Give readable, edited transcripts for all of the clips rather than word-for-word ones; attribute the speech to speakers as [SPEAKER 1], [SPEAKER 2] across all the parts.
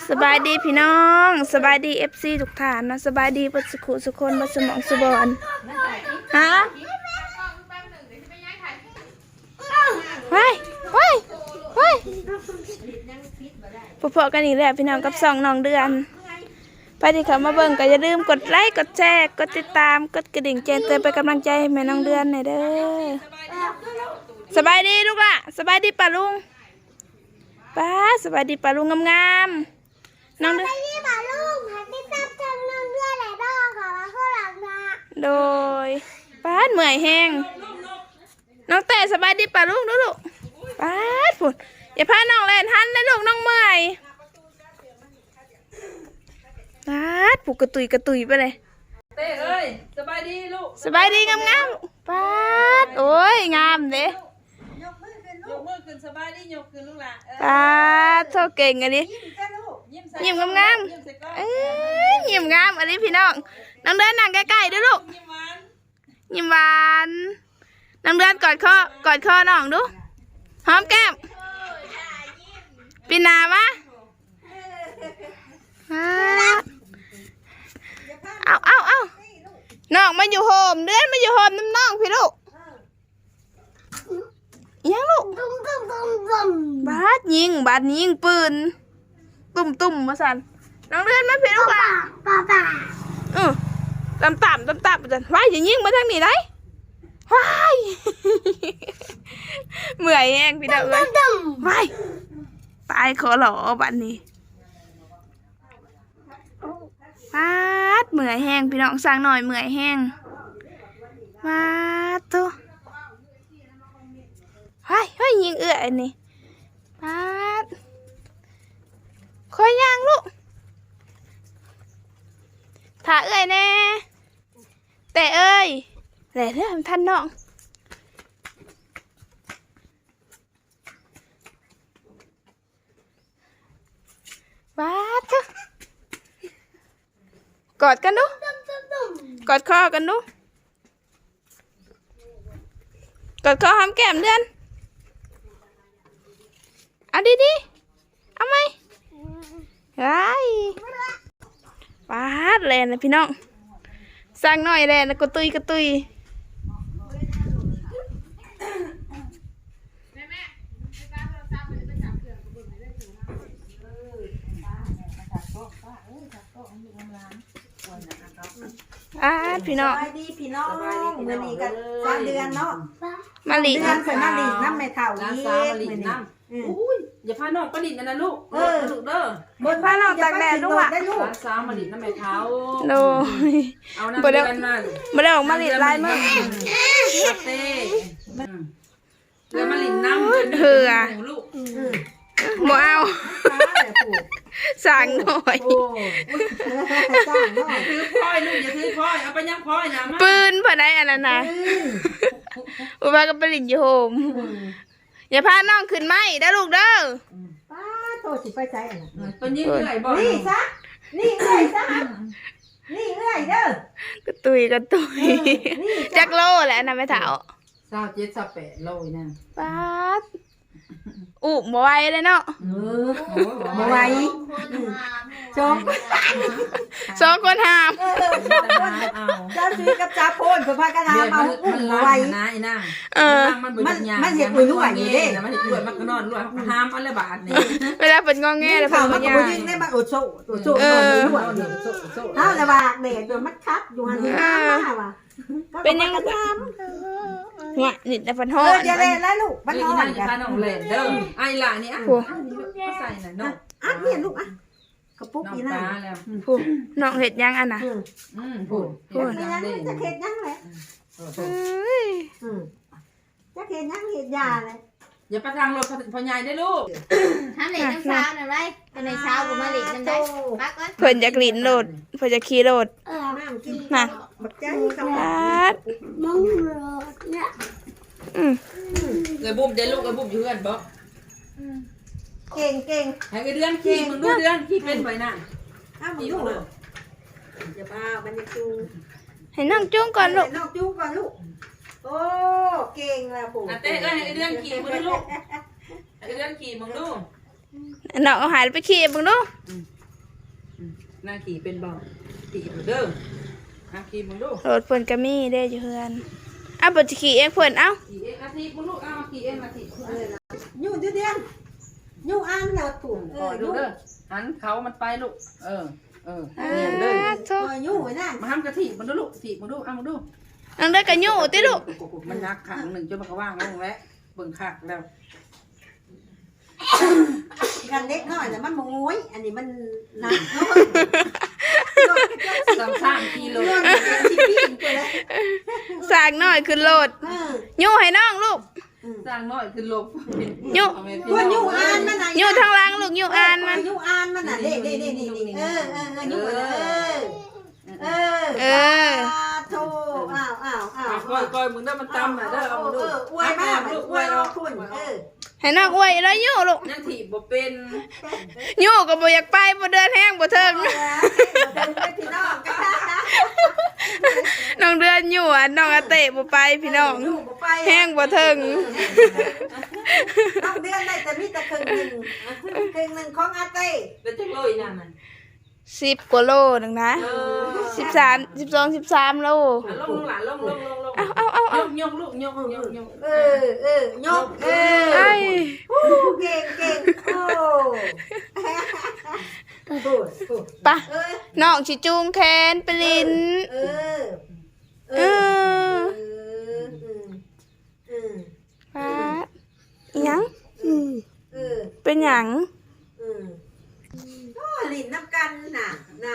[SPEAKER 1] สบายดีพี่น้องสบายดีFCทุกท่านนะสบายดีปัสสุคนบัสมองสุบอนฮะว้ายว้ายว้ายพอๆกันอีกแล้วพี่น้องกับ2น้องเดือนไปที่เขามาเบิ่งก็อย่าลืมกดไลค์กดแชร์กดติดตามกดกระดิ่งแจ้งเตือนเป็นกำลังใจให้แม่น้องเดือนหน่อยเด้อสบายดีลูกล่ะสบายดีป่ะลุงป้าสบายดีป่ะลุงงามๆน้องเดือนโดยป้าเหนื่อยแห้งน้องแต่สบายดีป่ะลุงดูลูกป้าผุดอย่าพาน้องเล่นทันนะลูกน้องเมื่อยป้าผูกกระตุยไปเลย
[SPEAKER 2] เต้เอ้ยสบายดีลูก
[SPEAKER 1] สบายดีงามๆป้าโอ้ยงามเด้
[SPEAKER 2] ยกมือขึ้นสบายดียกขึ้นลูกหล่ะ
[SPEAKER 1] ป้าโทษเก่งอันนี้ยิ้มงามยิ้มงามอันนี้พี่น้องน้องเดินนั่งใกล้ๆด้วยลูกยิ้มหวานน้องเดินกอดคอน้องดูหอมแก้มปีนามะเอาน้องมาอยู่โฮมเดือนมาอยู่โฮมน้ำน้องพี่ลูกยังลูกบาดยิงปืนตุ่มมาสั่นน้องเดือนมาพี่ลูกอ่ะต่ำจันว้ายอย่ายิงมาทางนี้ได้ว้ายเมื่อยแห้งพี่น้องเลยว้ายตายขอหล่อบัดนี้วาดเมื่อยแห้งพี่น้องสั่งหน่อยเมื่อยแห้งวาดตัวเฮ้ยยิงเอื้อนี่วาดคอยย่างลูกถ่าเอื้อยแน่แต่เอ้ยแหล่เรื่องท่านน้องวาดเถอะกอดกันดูกอดคอกันดูกอดคอหอมแก้มเดือนเอาดีเอาไหมไอ้ป้าดแลนนะพี่น้องสร้างหน่อยแลนนะกระตุยพี่น้อง
[SPEAKER 3] ดีพี่น้องเมื่อนี้กัน3 เดือนเนาะ
[SPEAKER 1] มาหลี
[SPEAKER 3] เดือนใส่มาหลีน้ำไม่เท่านี้
[SPEAKER 2] มื้อนี้อุ้ยอย่าพาน้องประดิษฐ์นะลูกลูกเด้อบ
[SPEAKER 1] นพาน้องตากแดดลูกอ่ะ
[SPEAKER 2] ร้านซ้ามาดิษฐ์น้ำแม่เท้า
[SPEAKER 1] โดย
[SPEAKER 2] เอาน้ำเดือน
[SPEAKER 1] มาได้ออกมาหลีลายมั้ง
[SPEAKER 2] เต้เดือนมาหลีน้ำลูก
[SPEAKER 1] หมอเอาสั่งหน่อย
[SPEAKER 2] ถือพ้อยลูกอย่าถือพ้อยเอาไปยังพ้อยนะ
[SPEAKER 1] ปืนพอได้อันนั้นนะอุบากับปริญญโฮมอย่าพาน้องขึ้นไหมได้ลูกเด้อ
[SPEAKER 3] ป้าโตสิไปใจอ่ะ
[SPEAKER 2] เป็นยิ่งเหนื่อยบ่
[SPEAKER 3] นี่ซะนี่เอ้ยซะนี่เอ้ยเด้อก
[SPEAKER 1] ระตุยจักโลแหละนะแม่เฒ่า
[SPEAKER 2] 27 28โลนั่น
[SPEAKER 1] ป้าอุบบ่ไหวเลยเนาะ
[SPEAKER 3] บ่ไหว
[SPEAKER 1] สองคนหาม
[SPEAKER 3] เจ้าชีกับจ่าโพนเพิ่นพากันหามาอุ้มไหว
[SPEAKER 2] นะอีนาง
[SPEAKER 3] มันเฮ็ดอุ้ยรวยอยู่เด้
[SPEAKER 2] มันเฮ็ดรวยมันก็นอนรวยหามอันละบาทนี่
[SPEAKER 1] เวลาเพิ่นงอแงแล้วเพิ่นบ่ย่า
[SPEAKER 3] ยิงได้มาโอโซนอนรวยเฮาละบาดเด็กมันคับอยู่หั่นมาว่ะ
[SPEAKER 1] เป็นยังเนี่ยนี่แต่พันห้อง
[SPEAKER 3] อย่าเล่นแล้วลูกมันห้องกัน
[SPEAKER 2] อย่าพาน้องเล่นเด้อไอ้ล่ะนี่อ่ะใส่หน่อยน้อง
[SPEAKER 3] เนี่ยลูกอ่ะกระปุกนี่นะ
[SPEAKER 1] ผู้น้องเห็ดยังอันน่ะ
[SPEAKER 3] ผู้จะเห็ดยังเลยจะเห็ดยังเห็ดยาเลย
[SPEAKER 2] อย่าไปทางรถพ่อใหญ่ได้ลูก
[SPEAKER 4] ทำเหล็กน้ำเช้าหน่อยไรตอนในเช้าผมมาเหล็กน้ำได้ปักก่อน
[SPEAKER 1] เพิ่นจะกลิ่นโหลดเพิ่นจะขี่โหลด
[SPEAKER 3] มา
[SPEAKER 1] มองโหลดเนี่ย
[SPEAKER 2] เลยบุ้มเดี๋ยวลูกเลยบุ้มอยู่เพื่อนบอก
[SPEAKER 3] เก่ง
[SPEAKER 2] ให้เดือนขี่มึงดูเดือนขี่เป็นไปน่ะ
[SPEAKER 3] ขี่ลูกอย่าบ้ามันจะจู
[SPEAKER 1] ให้น้องจุ้งก่อนลูก
[SPEAKER 3] น้องจูงก่อนลูกโอ้เก่งแล้วปู่
[SPEAKER 2] เต้ให้เดือนขี่มึงดูลูกให้เดือนขี่มึงดู
[SPEAKER 1] น้องเอาหายไปขี่มึงดู
[SPEAKER 2] นางขี่เป็นบ่ขี่มึงเด้อขี่มึงดู
[SPEAKER 1] รถเพิ่นก็มีเด้อยู่เฮือนเอาเพิ่นสิขี่เองเพิ่นเอา
[SPEAKER 2] ขี่เองอาทิตย์มึงลูกเอาขี่เองอาทิตย์
[SPEAKER 3] ยู่เดียนยู่อ่านแล้วถูก
[SPEAKER 2] ดูเด้อหันเขามันไปลูกเนี่ย
[SPEAKER 1] เล
[SPEAKER 2] เลย
[SPEAKER 1] โธ่
[SPEAKER 3] ยู่ไว้นั่น
[SPEAKER 2] มาทำกะทิมึงดูลูกถีบมึงดูเอามึงดู
[SPEAKER 1] น้องเด้อก็อยู่ติลูก
[SPEAKER 2] มันนักขังหนึ่งจนมันก็ว่างแล้วแวะเบิ่งขักแล้ว
[SPEAKER 3] กันเล็กน้อยแต่มันมงวยอันนี้มันหนัก
[SPEAKER 2] 3กิโล
[SPEAKER 3] ที่ปีนไปแล้ว
[SPEAKER 1] สร้างน้อยขึ้นรถอยู่ให้น้องลูก
[SPEAKER 2] สร้างน้อยคือลบ
[SPEAKER 3] ตัวยู่อ่านมันไหน
[SPEAKER 1] อยู่ทางหลังลูกอยู่อ่านมัน
[SPEAKER 3] ยู่อ่านมันน่ะเด้โธ่อ้าว
[SPEAKER 2] ก้อยมึงได้มันตำน่ะเด้อเอามาดู
[SPEAKER 3] อวยมากอวยเราคุณ
[SPEAKER 1] ให้น้องอวยแล้วอยู่ลูก
[SPEAKER 2] ยังถีบบ่เป็น
[SPEAKER 1] อยู่ก็บ่อยากไปบ่เดินแห้งบ่เทิง
[SPEAKER 3] พี่น้อง
[SPEAKER 1] น้องเดือนอยู่อ่ะน้องอาเตะบ่ไปพี่น้องแห้งบ่เทิง
[SPEAKER 3] น้องเดือนได้แต่มีแต่ครึ่งหนึ่งของอาเต้
[SPEAKER 2] แล้วจังเลยนั่นน่ะ
[SPEAKER 1] 10กว่าโลนึงนะ13 12 13โล
[SPEAKER 2] ลงหลานลงยกลูกยก
[SPEAKER 3] ยก
[SPEAKER 1] ไอ้
[SPEAKER 3] เก่ง
[SPEAKER 1] ปะน้องสิจูงแขนไปลินปะอิหยังเป็นหยัง
[SPEAKER 3] ลินน้ำกันน่ะ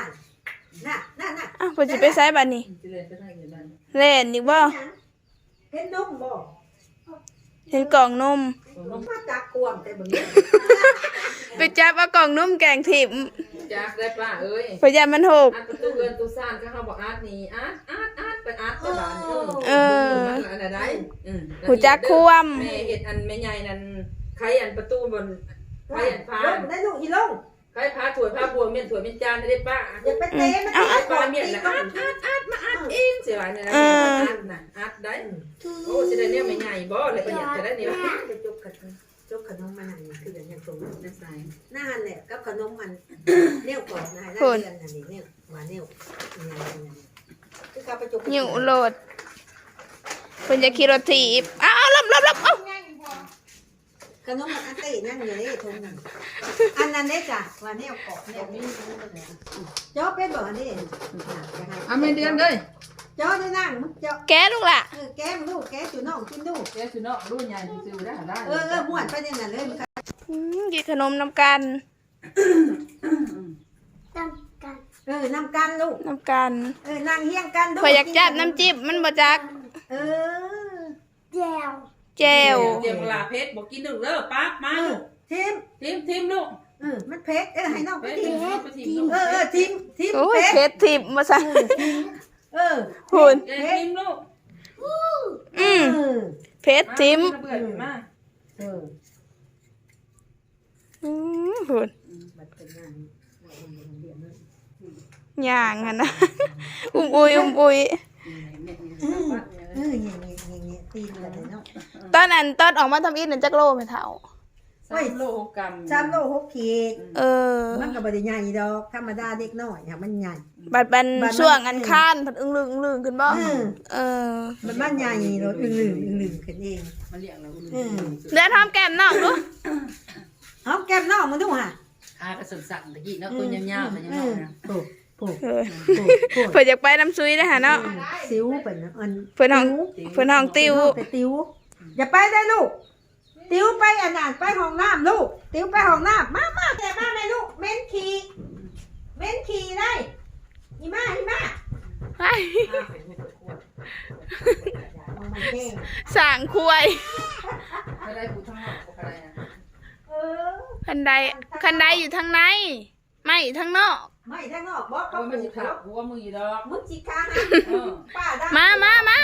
[SPEAKER 1] อ้าวเพิ่นสิไปไสบัดนี้เล่นอีกบ่
[SPEAKER 3] เห็นนมบ่
[SPEAKER 1] เห็นกล่องนม
[SPEAKER 3] มาจากกวงแต่บ่นี้
[SPEAKER 1] ไปจับเอากล่องนมแกงถิ่ม
[SPEAKER 2] จักได้ป้าเอ้ย
[SPEAKER 1] พยานมันหก
[SPEAKER 2] อัดประตูเงินตู้ซ่านก็เขาบอกอัดนี่อัดไปอัดไปบ้านอันใด
[SPEAKER 1] หูจักควม
[SPEAKER 2] แม่เฮ็ดอันแม่ใหญ่นั่นใครอันประตูบนใครอันพา
[SPEAKER 3] ได้ลูกอีลง
[SPEAKER 2] ใครพาถั่วพาบัวเม่นถั่วเม่นจานได้ป้า
[SPEAKER 3] อย่าไปเตะมัน
[SPEAKER 2] ไอ้ปลาเมียนนะอัดเองเสียหายเนี่ยนะอัดนะอัดได้โอ้สิได้เนี่ยไม่ใหญ่บ่เลยประหยัดจะได้เนี่ย
[SPEAKER 3] จะจกขนมมันนั่นคืออย่างอย่างตรงนั้น
[SPEAKER 2] ได้ใส่
[SPEAKER 3] หน้าแหละกับขนมมันเนี่ยวก่อนนะได้เดือนนั่นนี่เนี่ยวว่าเนี่ยวคือเขาไปจก
[SPEAKER 1] อยู่โหลดเพิ่นจะขี่รถถีบอ้าวลบเอ้า
[SPEAKER 3] ขนมมันอันเต้นั่งอยู่ในทงนั่นอันนั้นเด้จ้ะว่าเนี่ยวเกาะเนี่ยวนี่จ้อเป็นบ่อันนี้
[SPEAKER 2] อ่ะไม่เดือนเลย
[SPEAKER 3] จ้อได้นั่งมึงจ้อ
[SPEAKER 1] แกลูกล่ะ
[SPEAKER 3] แกมลูกแกจุน้องกินดู
[SPEAKER 2] แกสิเนาะรุ่นใหญ่ซื้อได้ได้
[SPEAKER 3] ม่วนไปเนี่ยนั่นเลย
[SPEAKER 1] กินขนมน้ำกัน
[SPEAKER 3] น้ำกันลูก
[SPEAKER 1] น้ำกัน
[SPEAKER 3] นั่งเฮียงกันดู
[SPEAKER 1] พอยอยากจับน้ำจิ้มมันบ่จักแจว
[SPEAKER 2] เดี๋ยวลาเพชรบอกกินดึกเด้อปั๊บมาลูก
[SPEAKER 3] ทิม
[SPEAKER 2] ลูก
[SPEAKER 3] มันเพชรให้น้องไปทิม ทิม
[SPEAKER 1] โอ้ย
[SPEAKER 3] เพชร
[SPEAKER 1] เพชรทิมมาซะ หุ่น
[SPEAKER 2] ทิมลูก
[SPEAKER 1] เพชรทิม
[SPEAKER 2] มา
[SPEAKER 1] หุ่นย่างอ่ะนะอุ้มอุย
[SPEAKER 3] ตีนกันเลยเนาะ
[SPEAKER 1] ตอนออกมาทำอินนั่นจักโลไม่เท่า
[SPEAKER 2] 3 โลกรัม
[SPEAKER 3] 3 โล 6 ขีด มันก็บ่ได้ใหญ่ดอกธรรมดาเด็กน้อยมันใหญ่
[SPEAKER 1] บัดบันช่วงอันข้านผัดอึ้งลึงขึ้นบ่
[SPEAKER 3] มันใหญ่รถอึ่งขึ้นเอง
[SPEAKER 2] มาเลี้ยงเรา
[SPEAKER 1] เดือดหอมแก้มน้องดู
[SPEAKER 3] หอมแก้มน้องมันดูห่ะ
[SPEAKER 2] กระสั่นตะกี้เนาะตัวยาวๆแต่ยังน้อยนะ
[SPEAKER 3] โผ
[SPEAKER 1] เพิ่นอยากไปน้ำซุยนะฮะเนาะ
[SPEAKER 3] ซิวเป็นอัน
[SPEAKER 1] เพิ่นห้องติว
[SPEAKER 3] ไปติวอย่าไปได้ลูกติวไปอันนั้นไปห้องน้ำลูกติวไปห้องน้ำมาแต่มาแม่ลูกเม้นขี่ได้อีมา
[SPEAKER 1] ไปสั่งคุย
[SPEAKER 2] ไม่ได้ผู้ทั้งหมดอะไรนะ
[SPEAKER 1] คันใดอยู่ทางในไม่ทางนอก
[SPEAKER 3] ไม่ทางนอกบอก
[SPEAKER 2] ก็ไม่ใช่ขาหัวมือดอก
[SPEAKER 3] มึงจิกาป้าได้
[SPEAKER 1] มา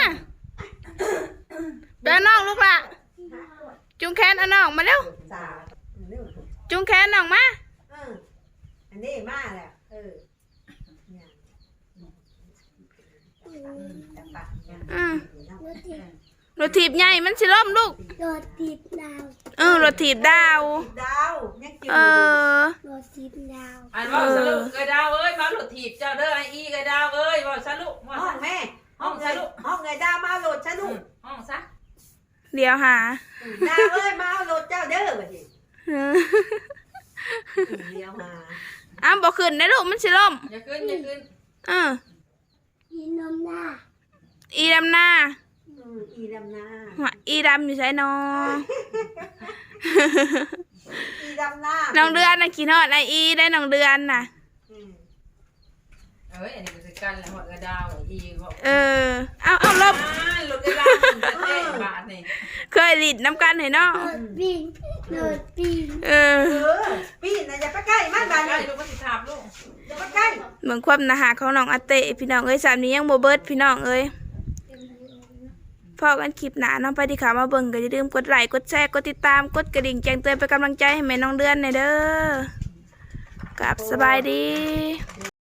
[SPEAKER 1] เดินน้องลูกละจุงแขนเอาน้องมาเร็วจุงแขนน้องมา
[SPEAKER 3] อันนี้มาแล้ว
[SPEAKER 1] รถถีบใหญ่มันสิล้มลูกรถถีบดาว
[SPEAKER 3] ดาวยังจืด
[SPEAKER 1] เออ
[SPEAKER 2] อันว่าสรุปเอ้ยดาวเอ้ยมาหลุดถีบเจ้าเด้อไอ้อีเอ้ยดาวเอ้ยว่าสรุปว่า
[SPEAKER 3] ห้องแม่ห้องไงห้องไงดาวมาเอารถฉันลูก
[SPEAKER 2] ห้องซะ
[SPEAKER 1] เดี๋ยวหา
[SPEAKER 3] ดาวเอ้ยมาเอารถเจ้าเด้อบัดนี้เดี๋ยวมา
[SPEAKER 1] อ้าวบอกขึ้นได้ลูกมันสิล่ม
[SPEAKER 2] อย่าขึ้นอย่าขึ้น
[SPEAKER 1] อีดำหน้า
[SPEAKER 3] อีดำนา
[SPEAKER 1] หัวอีดำอยู่ใช่นอ
[SPEAKER 3] อีดำนา
[SPEAKER 1] น้องเดือนน่ะกินฮอดไออีได้น้องเดือนน่ะ
[SPEAKER 2] เอ้ยอันนี้ก็คือกันแหละหมดกระดาวไอ้อีบอก
[SPEAKER 1] เอาลบ
[SPEAKER 2] หลุดกระดาวมันจะเตะบาทนี่
[SPEAKER 1] เคยลิดน้ำกันให้เนาะ
[SPEAKER 3] ปีนนะอย่าไปใกล้มันบ้าน
[SPEAKER 2] ใกล้
[SPEAKER 3] นี่
[SPEAKER 2] ลูกมันสิถามลูก
[SPEAKER 3] อย่าไปใกล้
[SPEAKER 1] เหมือนความนาหาของน้องอาเตะพี่น้องเอ้ยสามนี้ยังโบเบิร์ดพี่น้องเอ้ยพอกันคลิปหนาน้องไปที่ขามาเบิ่งก็อย่าลืมกดไลค์กดแชร์กดติดตามกดกระดิ่งแจ้งเตือนเป็นกำลังใจให้แม่น้องเดือนหน่อยเด้อกับสบายดี